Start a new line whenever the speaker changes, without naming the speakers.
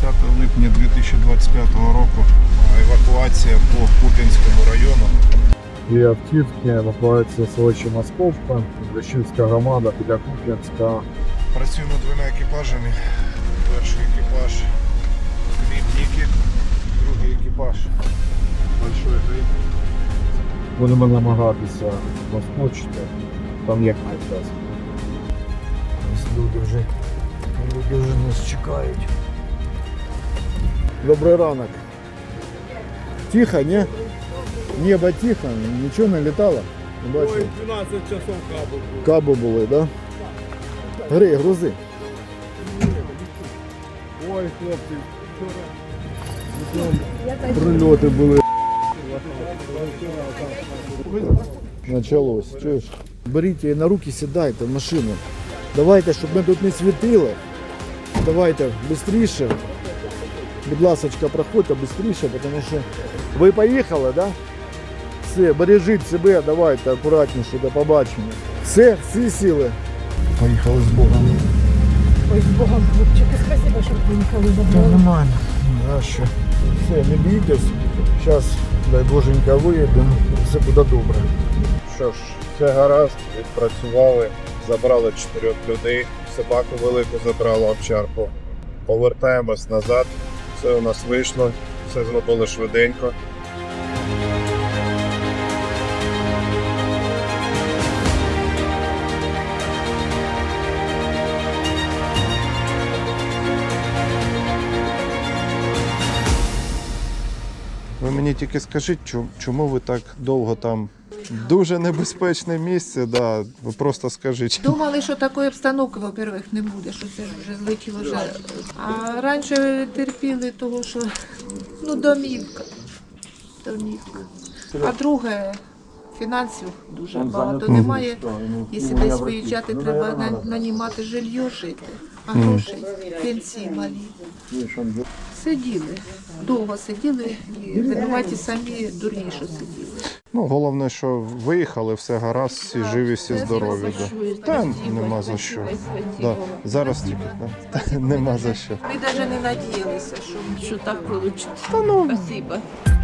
10 липня 2025 року. Евакуація по Куп'янському району.
Дві автівки, евакуація селища Московка, Лещинська громада біля Куп'янська.
Працюємо двома екіпажами. Перший екіпаж Грибники, другий екіпаж Большой Гриб.
Будемо намагатися розпочати, там як найчас. Люди вже нас чекають. Добрий ранок. Тихо, ні? Небо тихо, нічого не літало? Не бачив?
Ой, 12 часов кабу було.
Каби були, так? Да? Гри, грузи.
Ой, хлопці,
Прильоти були. Началось, чуєш? Беріть її на руки, сідайте в машину. Давайте, щоб ми тут не світили. Давайте швидше. Будь ласочка, проходьте швидше, тому що ви поїхали, да? Все, бережіть себе, давайте акуратніше, до побачення. Все, всі сіли. Поїхали з Богом.
Ой, з Богом, хлопчики, спасибо, що приїхали за Богом.
Нормально. Да, що? Все, не бійтесь. Зараз, дай Боженька, виїдемо. Все буде добре.
Що ж, все гаразд, відпрацювали, забрали 4 людей, собаку велику забрали овчарку. Повертаємось назад, все у нас вийшло, все зробили швиденько. Ви мені тільки скажіть, чому ви так довго там? Дуже небезпечне місце, да. Ви просто скажіть.
Думали, що такої обстановки, во-первых, не буде, що це ж вже злетіло вже. А раніше терпіли того, що домівка. А друге, фінансів дуже багато немає. Якщо десь виїжджати, треба нанімати жилье, жити. А грошей, пенсії малі. Сиділи, довго сиділи і винуваті самі дурні, що сиділи.
Головне, що виїхали, все гаразд, всі живі, всі здорові. Да. Та нема за що. Да. Зараз тільки, да. Та, нема за що.
Ми навіть не надіялися, що так вийде.
Та ну,
Спасибо.